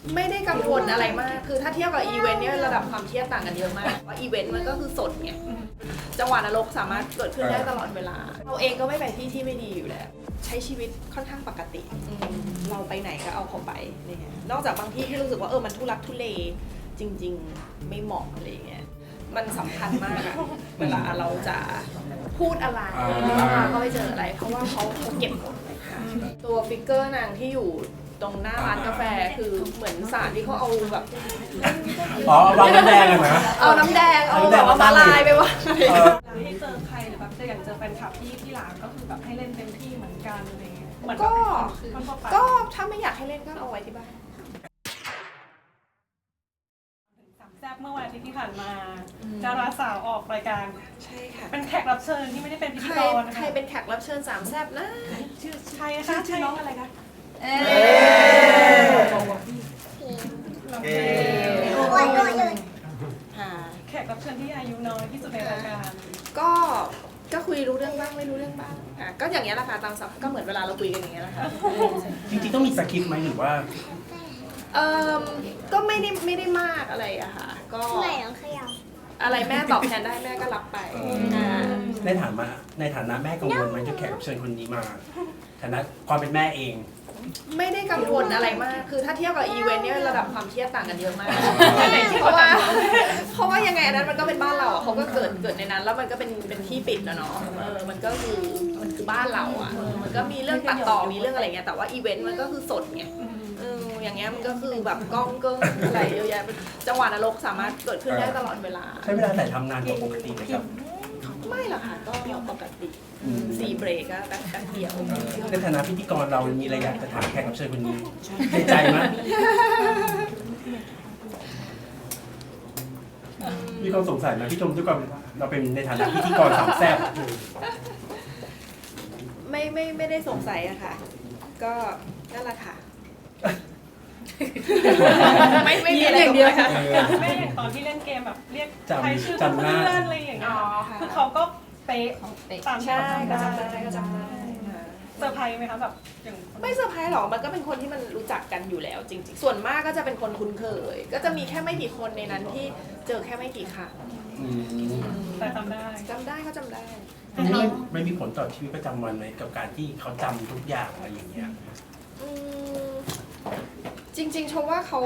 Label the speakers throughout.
Speaker 1: ไม่ได้กังวลอะไรมากคือถ้าเทียบกับอีเวนต์เนี่ยระดับความเครียดต่างกันเยอะมากว่าอีเวนต์มันก็คือสดไงจังหวะนรกสามารถเกิดขึ้นได้ตลอดเวลาเราเองก็ไม่ไปที่ไม่ดีอยู่แล้วใช้ชีวิตค่อนข้างปกติเราไปไหนก็เอาเขาไปเนี่ยนอกจากบางที่ที่รู้สึกว่ามันทุลักทุเลจริงๆไม่เหมาะอะไรเงี้ยมันสำคัญมากอะเวลาเราจะพูดอะไรก็ไปเจออะไรเพราะว่าเขาเก็บหมดเลยค่ะตัวฟิกเกอร์นางที่อยู่ตรงหน้าร้านกาแฟคือเหมือนสารที่เขาเอาแบบ
Speaker 2: วางน้ำแดงอะนะ
Speaker 1: เอาน้ำแดงเอาแบบว่ามาลายไปว่า
Speaker 3: ให้เจอใครหรือแบบอย่างเจอแฟนคลับที่ร้านก็คือแบบให้เล่นเต็มที่เหมือนกันอะไรเงี้ย
Speaker 1: ก็ถ้าไม่อยากให้เล่นก็เอาไว้ที่บ้าน
Speaker 3: สามแซ่บเมื่อวันอาทิตย์ที่ผ่านมาดาราสาวออกรายการ
Speaker 1: ใช่ค่ะ
Speaker 3: เป็นแขกรับเชิญที่ไม่ได้เป็นพิธีกร
Speaker 1: ใครเป็นแขกรับเชิญสามแซ่บนะ
Speaker 3: ชื่อใครคะชื่อน้องอะไรคะแขกรับเชิญที่อายุน้อยที่สุดในรายการ
Speaker 1: ก็คุยรู้เรื่องบ้างไม่รู้เรื่องบ้างก็อย่างเงี้ยแหละค่ะตามสับก็เหมือนเวลาเราคุยกันอย่างเงี้ยแหละค่ะ
Speaker 2: จริงๆต้องมีสคริปต์ไหมหรือว่า
Speaker 1: ก็ไม่ได้มากอะไรอะค่ะก็อะไรแม่ตอบแทนได้แม่ก็รับไป
Speaker 2: ในฐานะแม่กังวลไหมจะแขกรับเชิญคนนี้มาฐานะความเป็นแม่เอง
Speaker 1: ไม่ได้กังวลอะไรมากคือถ้าเทียบกับอีเวนต์เนี่ยระดับความเครียดต่างกันเยอะมากเพราะว่ายังไงอันนั้นมันก็เป็นบ้านเราเขาก็เกิดในนั้นแล้วมันก็เป็นที่ปิดนะเนาะมันก็คือบ้านเราอ่ะมันก็มีเรื่องตัดต่อมีเรื่องอะไรเงี้ยแต่ว่าอีเวนต์มันก็คือสดไงอย่างเงี้ยมันก็คือแบบกล้องก็อะไรเยอะแยะจังหวะนรกสามารถเกิดขึ้นได้ตลอดเวลา
Speaker 2: ใช้เวลาถ่ายทำนานกว่าปกติไหมครับ
Speaker 1: ไม่หรอกค่ะก็ปกติ4 เบรกก็แป๊บเดียว
Speaker 2: ในฐานะพิธีกรเรามีอะไรอยากจะถามแขกรับเชิญคนนี้ในใจไหมมีความสงสัยไหมพี่ชมด้วยความเราเป็นในฐานะพิธีกรสามแซ่บ
Speaker 1: ไม่ได้สงสัยอะค่ะก็นั่นแหละค่ะไม่มีอะไรอย่างเดียวค่ะ
Speaker 3: ไม่อย่างตอนที่เล่นเกมแบบเรียกใครชื่อเพื่อนอะไรอย่างเงี้ยคือเขาก็เป๊ะตาม
Speaker 1: ใช่ก็จำได้
Speaker 3: เซอร์ไพรส์ไหมคะแบบอย่าง
Speaker 1: ไม่เซอร์ไพรส์หรอกมันก็เป็นคนที่มันรู้จักกันอยู่แล้วจริงๆส่วนมากก็จะเป็นคนคุ้นเคยก็จะมีแค่ไม่กี่คนในนั้นที่เจอแค่ไม่กี่ครั้ง
Speaker 3: แต่จำได้
Speaker 1: เขาจำได้
Speaker 2: ไม่มีผลต่อชีวิตประจำวันไหมกับการที่เขาจำทุกอย่างอะไรอย่างเงี้ย
Speaker 1: จริงๆชมว่าเขา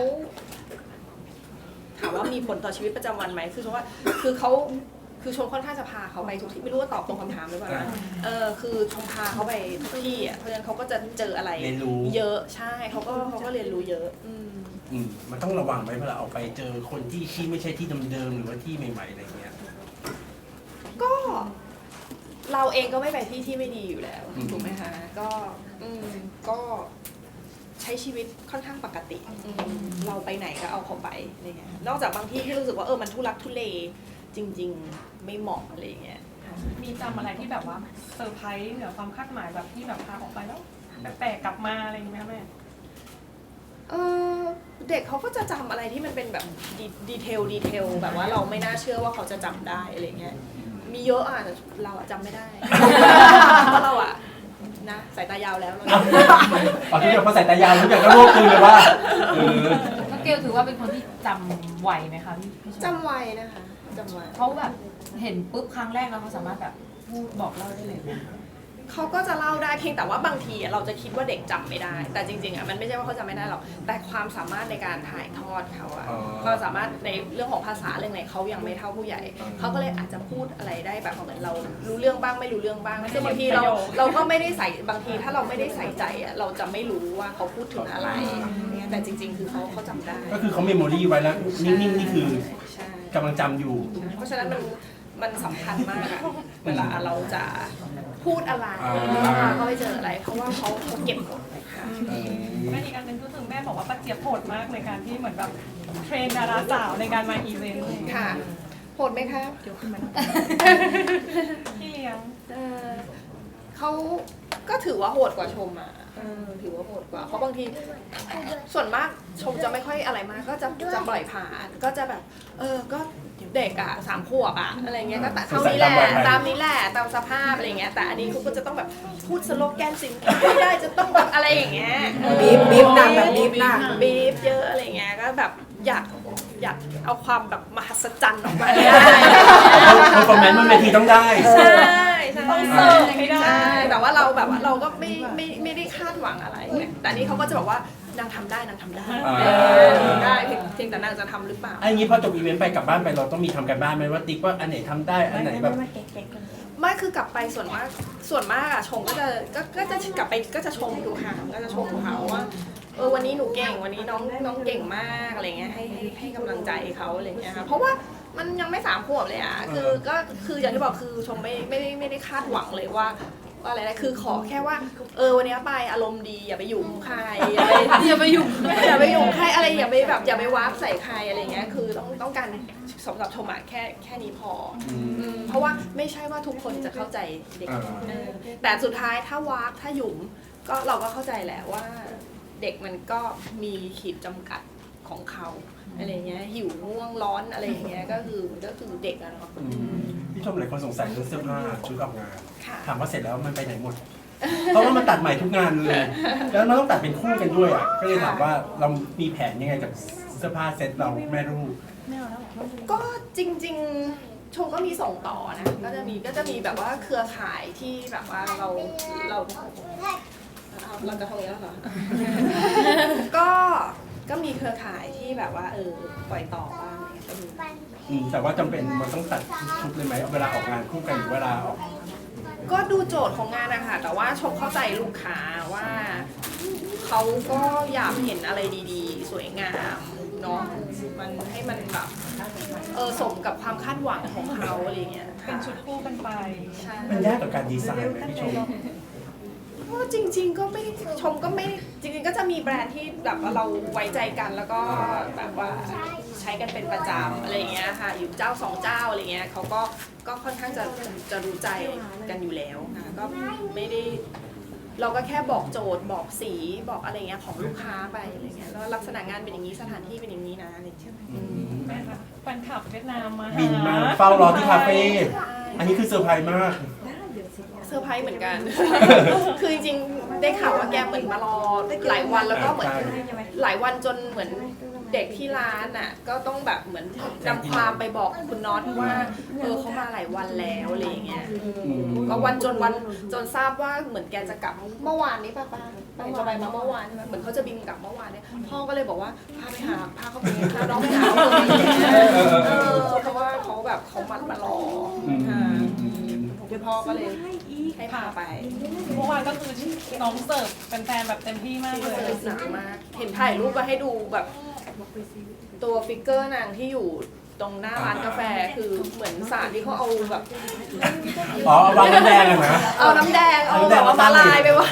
Speaker 1: ถามว่ามีผลต่อชีวิตประจำวันไหมคือชมว่าคือชมค่อนข้างจะพาเขาไปทุกที่ไม่รู้ว่าตอบตรงคำถามหรือเปล่านะคือชมพาเขาไปทุกที่อ่ะเพราะฉะนั้นเขาก็จะเจออะไรเยอะใช่เขาก็เรียนรู้เยอะ
Speaker 2: มันต้องระวังไหมเวลาออกไปเจอคนที่ไม่ใช่ที่เดิมๆหรือว่าที่ใหม่ๆอะไรเงี้ย
Speaker 1: ก็เราเองก็ไม่ไปที่ไม่ดีอยู่แล้วถูกไหมคะก็ใช้ชีวิตค่อนข้างปกติเราไปไหนก็เอาเขาไปเนี่ยนอกจากบางที่ที่รู้สึกว่ามันทุลักทุเลจริงๆไม่เหมาะอะไรเงี้ย
Speaker 3: มีจำอะไรที่แบบว่าเซอร์ไพรส์เหนือความคาดหมายแบบที่แบบพาออกไปแล้วแปลกกลับมาอะไรอย่างนี้ไหมแม่
Speaker 1: เด็กเขาก็จะจำอะไรที่มันเป็นแบบดีเทลแบบว่าเราไม่น่าเชื่อว่าเขาจะจำได้อะไรเงี้ยมีเยอะแต่เราจำไม่ได้เพราะเรานะสายตายาวแล้วเรา
Speaker 2: ทุกอย่างพอสายตายาวทุกอย่างก็รวบคืนเลยว่า
Speaker 4: น้องเกลถือว่าเป็นคนที่จำไวไหมคะพี่
Speaker 1: จำไวนะคะจำไว
Speaker 4: เขาแบบเห็นปุ๊บครั้งแรกแล้วเขาสามารถแบบพูดบอกเล่าได้เลย
Speaker 1: เขาก็จะเล่าได้เพียงแต่ว่าบางทีเราจะคิดว่าเด็กจำไม่ได้แต่จริงๆมันไม่ใช่ว่าเขาจำไม่ได้หรอกแต่ความสามารถในการถ่ายทอดเขาความสามารถในเรื่องของภาษาเรื่องไหนเขายังไม่เท่าผู้ใหญ่เขาก็เลยอาจจะพูดอะไรได้แบบเหมือนเรารู้เรื่องบ้างไม่รู้เรื่องบ้างซึ่งบางทีเราก็ไม่ได้ใส่บางทีถ้าเราไม่ได้ใส่ใจเราจะไม่รู้ว่าเขาพูดถึงอะไรแต่จริงๆคือเขาจำได้
Speaker 2: ก็คือเขาเมมโมรี่ไว้แล้วนิ่งๆนี่คือกำลังจำอยู่
Speaker 1: เพราะฉะนั้นมันสำคัญมากเวลาเราจะพูดอะไรก็ไปเจออะไรเพราะว่าเขาเก็บหมดเลยค่ะ
Speaker 3: แม่อีกอันนึงก็คือแม่บอกว่าป้าเจี๊ยบโหดมากในการที่เหมือนแบบเทรนดาราสาวในการมาอีเวนต์
Speaker 1: ค่ะโหดไหมคะเดี๋ยวขึ้นมา
Speaker 3: พี่เลี้ยง
Speaker 1: เขาก็ถือว่าโหดกว่าชมถือว่าโหดกว่าเพราะบางทีส่วนมากชมจะไม่ค่อยอะไรมากก็จะปล่อยผ่านก็จะแบบก็เด็ก3 ขวบอะไรเงี้ยก็แต่เท่านี้แหละตามนี้แหละตามสภาพอะไรเงี้ยแต่อันนี้เขาก็จะต้องแบบพูดสโลแกนสินค้าไม่ได้จะต้องแบบอะไรอย่างเงี้ย
Speaker 5: บีบหนักแบบบีบหนัก
Speaker 1: บีบเยอะอะไรเงี้ยแบบอยากเอาความแบบมหัศจรรย์ออกมาให้ได้
Speaker 2: คอมเมนต์มันเวทีต้องได้
Speaker 1: ใช่ใช่
Speaker 3: ต้องเสิร์ฟให้ได้
Speaker 1: ใช่แต่ว่าเราแบบว่าเราก็ไม่ได้คาดหวังอะไรไงแต่อันนี้เขาก็จะบอกว่านางทำได้นางทำได้ ทำได้เพียงแต่นางจะทำหรือเปล่า
Speaker 2: ไอ้งี้พอจบอีเวนต์ไปกลับบ้านไปเราต้องมีทำกันบ้านไหมว่าติ๊กว่าอันไหนทำได้อันไหนแบบ
Speaker 1: ไม่คือกลับไปส่วนมากอะชงก็จะกลับไปก็จะชมทุกครั้งก็จะชมเขาว่าวันนี้หนูเก่งวันนี้น้องเก่งมากอะไรเงี้ยให้กำลังใจเขาอะไรเงี้ยค่ะเพราะว่ามันยังไม่3 ขวบเลยอะคืออย่างที่บอกคือชมไม่ได้คาดหวังเลยว่าอะไรนะคือขอแค่ว่าวันนี้ไปอารมณ์ดีอย่าไปหยุ่มใครอย่าไปหยุ่มใครอะไรอย่าไปแบบอย่าไปวาร์ปใส่ใครอะไรเงี้ยคือต้องการสำหรับชมอะแค่นี้พอเพราะว่าไม่ใช่ว่าทุกคนจะเข้าใจเด็กแต่สุดท้ายถ้าวาร์ปถ้าหยุ่มก็เราก็เข้าใจแหละว่าเด็กมันก็มีขีดจำกัดของเขาอะไรเงี้ยหิวง่วงร้อนอะไรอย่างเงี้ยก็คือเด็กอะเนาะ
Speaker 2: พี่ชมหลายคนสงสัยเรื่องเสื้อผ้าชุดออกงาน
Speaker 1: ค่ะ
Speaker 2: ถามว่าเสร็จแล้วมันไปไหนหมด เพราะว่ามันตัดใหม่ทุกงานเลย แล้วมันต้องตัดเป็นคู่กันด้วยอ่ะก็เลยถามว่าเรามีแผนยังไงกับเสื้อผ้าเซ็ตเราแม่ลูก
Speaker 1: ก็จริงๆชมก็มีส่งต่อนะก็จะมีแบบว่าเครือข่ายที่แบบว่าเราจะทำอย่างนี้แล้วเหรอ ก็มีเครือข่ายที่แบบว่าปล่อยต่อบ้างอะไรเงี้ยก็มี
Speaker 2: แต่ว่าจำเป็นมันต้องตัดชุดเลยไหมเวลาออกงานคู่กันหรือเวลาออก
Speaker 1: ก็ดูโจทย์ของงานนะคะแต่ว่าชมเข้าใจลูกค้าว่าเขาก็อยากเห็นอะไรดีๆ สวยงามเนาะมันให้มันแบบสมกับความคาดหวังของเขาอะไรเงี้ย
Speaker 3: เป็นชุดคู่กันไป
Speaker 1: ใช่
Speaker 2: มันยากต่อการดีไซน์ไหมพี่ชม
Speaker 1: ก็จริงๆก็ไม่ชมก็ไม่จริงๆก็จะมีแบรนด์ที่แบบว่าเราไว้ใจกันแล้วก็แบบว่าใช้กันเป็นประจำอะไรอย่างเงี้ยค่ะอยู่เจ้า2 เจ้าอะไรเงี้ยเขาก็ค่อนข้างจะรู้ใจกันอยู่แล้วนะก็ไม่ได้เราก็แค่บอกโจทย์บอกสีบอกอะไรเงี้ยของลูกค้าไปอะไรเงี้ยแล้วลักษณะงานเป็นอย่างนี้สถานที่เป็นอย่างนี้นะอะไรอย่างเงี้ย
Speaker 3: แฟนคลับเวียดนามมาหา
Speaker 2: บินมาเฝ้ารอที่คาเฟ่อันนี้คือเซอร์ไพรส์มาก
Speaker 1: เซอร์ไพรส์เหมือนกัน คือจริงๆได้ข่าวว่าแกเหมือนมารอหลายวันแล้วก็เหมือนหลายวันจนเหมือนเด็กที่ร้านอ่ะก็ต้องแบบเหมือนนำความไปบอกคุณน็อตว่าเขามาหลายวันแล้วอะไรอย่างเงี้ยก็วันจนทราบว่าเหมือนแกจะกลับเมื่อวานนี้ป้าจะไปมาเมื่อวานใช่ไหมเหมือนเขาจะบินกลับเมื่อวานเนี่ยพ่อก็เลยบอกว่าพาเขาไปพาน้องไปหาเขาเลยเพราะว่าเขาแบบเขามารอคุณพ่อก็เลยให้พาไป
Speaker 3: เมื่อวานก็คือน้องเสิร์ฟแฟนๆแบบเต็มที่มากเลย
Speaker 1: หนักมากเห็นถ่ายรูปมาให้ดูแบบตัวฟิกเกอร์นางที่อยู่ตรงหน้าร้านกาแฟคือเหมือนสารที่เขาเอาแบบ
Speaker 2: อ๋อวางน้ำแดงอะนะ
Speaker 1: เอาน้ำแดงเอาแบบว่ามาลายไปวาง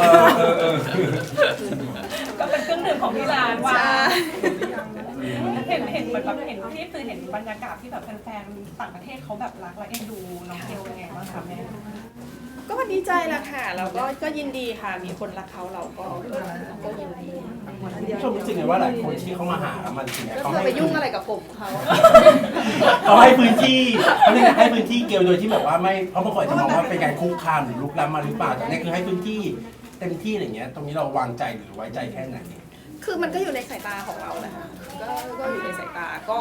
Speaker 3: ก็เป็นเครื่องดื่มของที่ร้านว่า
Speaker 1: ใช่
Speaker 3: เห็นเหมือนแบบเห็นที่คือเห็นบรรยากาศที่แบบแฟนๆต่างประเทศเขาแบบรักและเอ็นดูน้องเกลยังไงบ้างคะแม่
Speaker 1: ก็ดีใจแหละค่ะแล้วก็ยินดีค่ะมีคนรักเขาเราก็ยินดี
Speaker 2: พี่ชมรู้สึกไงว่าหลายคนที่เขามาหามันถึงเนี่ย
Speaker 1: ก็
Speaker 2: เขา
Speaker 1: เธอไปยุ่งอะไรกับผมเขา
Speaker 2: เขาให้พื้นที่เขาเรียกให้พื้นที่เกลโดยที่แบบว่าไม่เพราะบางคนจะมองว่าเป็นการคุกคามหรือลุกล้ำมาหรือเปล่าแต่เนี่ยคือให้พื้นที่เต็มที่อะไรเงี้ยตรงนี้เราวางใจหรือไว้ใจแค่ไหน
Speaker 1: คือมันก็อยู่ในสายตาของเราแหละค่ะก็อยู่ในสายตาก็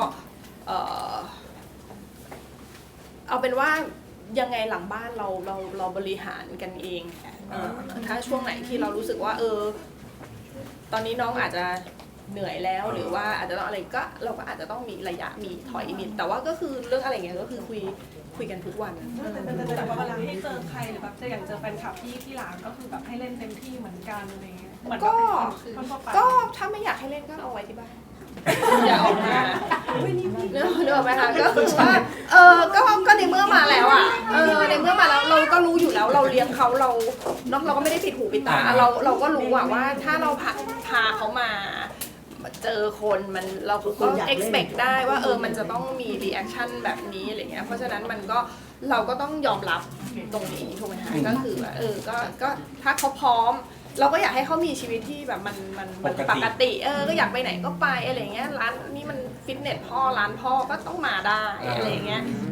Speaker 1: เอาเป็นว่ายังไงหลังบ้านเราบริหารกันเองถ้าช่วงไหนที่เรารู้สึกว่าตอนนี้น้องอาจจะเหนื่อยแล้วหรือว่าอาจจะต้องอะไรก็เราก็อาจจะต้องมีระยะมีถอยมีแต่ว่าก็คือเรื่องอะไรเงี้ยก็คือคุยกันทุกวัน
Speaker 3: แต่ว่าเวลาให้เจอใครหรือแบบอย่างเจอแฟนคลับที่ร้านก็คือแบบให้เล่นเต็มที่เหมือนกันอะไรเงี้ยเหมือนแบบเป็นคนทั่วไป
Speaker 1: ก็ถ้าไม่อยากให้เล่นก็เอาไว้ที่บ้านอย่าออกมาเนื้อไหมคะก็คือว่าก็ในเมื่อมาแล้วอ่ะในเมื่อมาแล้วเราก็รู้อยู่แล้วเราเลี้ยงเขาเราก็ไม่ได้ปิดหูปิดตาเราก็รู้ว่าถ้าเราพาเขามาเจอคนมันเราก็ expect ได้ว่ามันจะต้องมี reaction แบบนี้อะไรเงี้ยเพราะฉะนั้นมันก็เราก็ต้องยอมรับตรงนี้ถูกไหมคะก็คือว่าก็ถ้าเขาพร้อมเราก็อยากให้เขามีชีวิตที่แบบมันปกติก็อยากไปไหนก็ไปอะไรเงี้ยร้านนี้มันฟิตเนสพ่อร้านพ่อก็ต้องมาได้อะไรเงี้ยค่ะ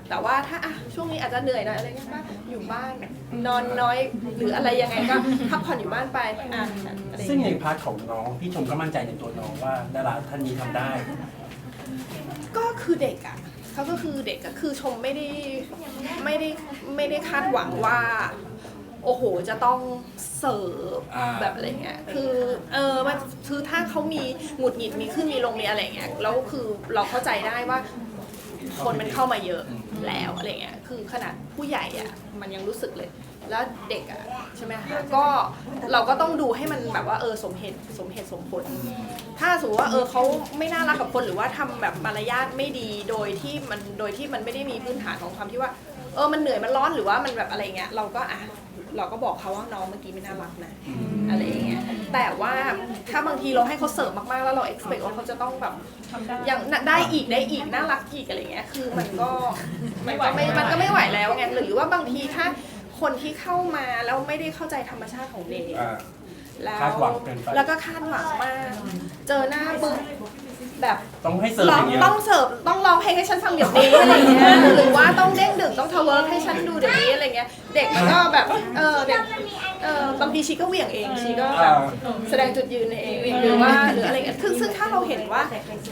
Speaker 1: แต่ว่าถ้าอ่ะช่วงนี้อาจจะเหนื่อยหน่อยอะไรเงี้ยก็อยู่บ้านนอนน้อยหรืออะไรยังไงก็พักผ่อนอยู่บ้านไปอ่ะอะไรอย่าง
Speaker 2: ซึ่ง
Speaker 1: เงี้ย
Speaker 2: ในพาร์ทของน้องพี่ชมก็มั่นใจในตัวน้องว่าดาราท่านนี้ทำได้
Speaker 1: ก็คือเด็กอ่ะเขาก็คือเด็กอ่ะคือชมไม่ได้คาดหวังว่า โอ้โหจะต้องเสิร์ฟแบบอะไรเงี้ยคือมันคือถ้าเขามีหงุดหงิดมีขึ้นมีลงมีอะไรเงี้ยแล้วคือเราเข้าใจได้ว่า คนมันเข้ามาเยอะแล้วอะไรเงี้ยคือขนาดผู้ใหญ่อ่ะมันยังรู้สึกเลย แล้วเด็กอ่ะใช่ไหมคะก็เราก็ต้องดูให้มันแบบว่าสมเหตุสมผล ถ้าสมมติว่าเขาไม่น่ารักกับคนหรือว่าทำแบบมารยาทไม่ดีโดยที่มันไม่ได้มีพื้นฐานของความที่ว่ามันเหนื่อยมันร้อนหรือว่ามันแบบอะไรเงี้ยเราก็บอกเขาว่าน้องเมื่อกี้ไม่น่ารักนะอะไรอย่างเงี้ยแต่ว่าถ้าบางทีเราให้เขาเสิร์ฟมากๆแล้วเรา expect ว่าเขาจะต้องแบบ
Speaker 3: ทำได้
Speaker 1: อย่างได้อีกน่ารักอีกอะไรเงี้ยคือมันก็ไม่ไหวแล้วไงหรือว่าบางทีถ้าคนที่เข้ามาแล้วไม่ได้เข้าใจธรรมชาติของเด็กแล้ว
Speaker 2: คาดหวังเกินไป
Speaker 1: แล้วก็คาดหวังมากเจอหน้าปุ๊บแบบ
Speaker 2: ต้องให้เสิร์ฟอย่างเงี้ย
Speaker 1: ต้องเสิร์ฟต้องร้องเพลงให้ฉันฟังเดี๋ยวนี้อะไรเงี้ยหรือว่าต้องเด้งดึกต้องทเวิร์กให้ฉันดูเดี๋ยวนี้อะไรเงี้ยเด็กมันก็แบบเด็กบางทีชีก็เหวี่ยงเองชีก็แบบแสดงจุดยืนเองหรืออะไรเงี้ยซึ่งถ้าเราเห็นว่า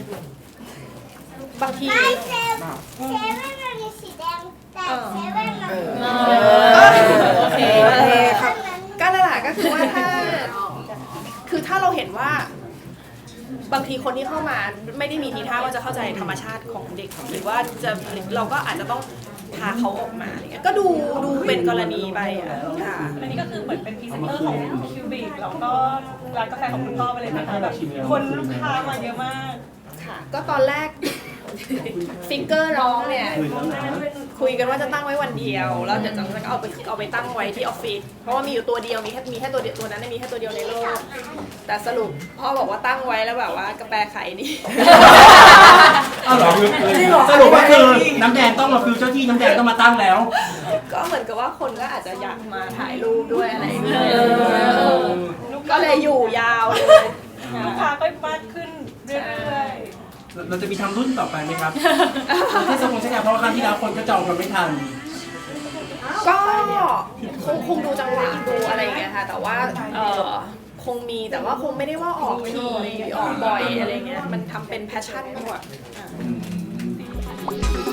Speaker 1: บางที
Speaker 5: เซเว่นมันมีสีแดงแต่เซเว่นมัน
Speaker 1: โอเคครับก็นั่นแหละก็คือว่าถ้าเราเห็นว่า บางทีคนที่เข้ามาไม่ได้มีทีท่าว่าจะเข้าใจธรรมชาติของเด็กหรือว่าเราก็อาจจะต้องพาเขาออกมาอะไรเงี้ยก็ดูเป็นกรณีไปค่ะ
Speaker 3: อันนี้ก็คือเหมือนเป็นพรีเซนเตอร์ของคิวบิกแล้วก็ร้านกาแฟของคุณพ่อไปเลยนะคะแบบคนลูกค้ามาเยอะมาก
Speaker 1: ค่ะก็ตอนแรก ฟิกเกอร์น้องเนี่ยคุยกันว่าจะตั้งไว้วันเดียวแล้วเดี๋ยวจะเอาไปตั้งไว้ที่ออฟฟิศเพราะว่ามีอยู่ตัวเดียวมีแค่ตัวเดียวตัวนั้นมีแค่ตัวเดียวในโลกแต่สรุปพ่อบอกว่าตั้งไว้แล้วแบบว่ากาแฟไข่ดี
Speaker 2: อ้าวเหรอสรุปว่าคือน้ำแดงต้องมาฟิวเจ้าที่น้ำแดงต้องมาตั้งแล้ว
Speaker 1: ก็เหมือนกับว่าคนก็อาจจะอยากมาถ่ายรูปด้วยอะไรอย่างเงี้ยก็เลยอยู่ยาวเลย
Speaker 3: ลูกค้าก็มากขึ้นเรื่อย
Speaker 2: เราจะมีทำรุ่นต่อไปไหมครับเทศกาลใช่ไหมเพราะว่าครั้งที่แล้วคนก็จองกันไม่ทัน
Speaker 1: ก็คงดูจังหวะดูอะไรอย่างเงี้ยค่ะแต่ว่าคงมีแต่ว่าคงไม่ได้ว่าออกทีออกบ่อยอะไรเงี้ยมันทำเป็นแพชชั่นมากกว่า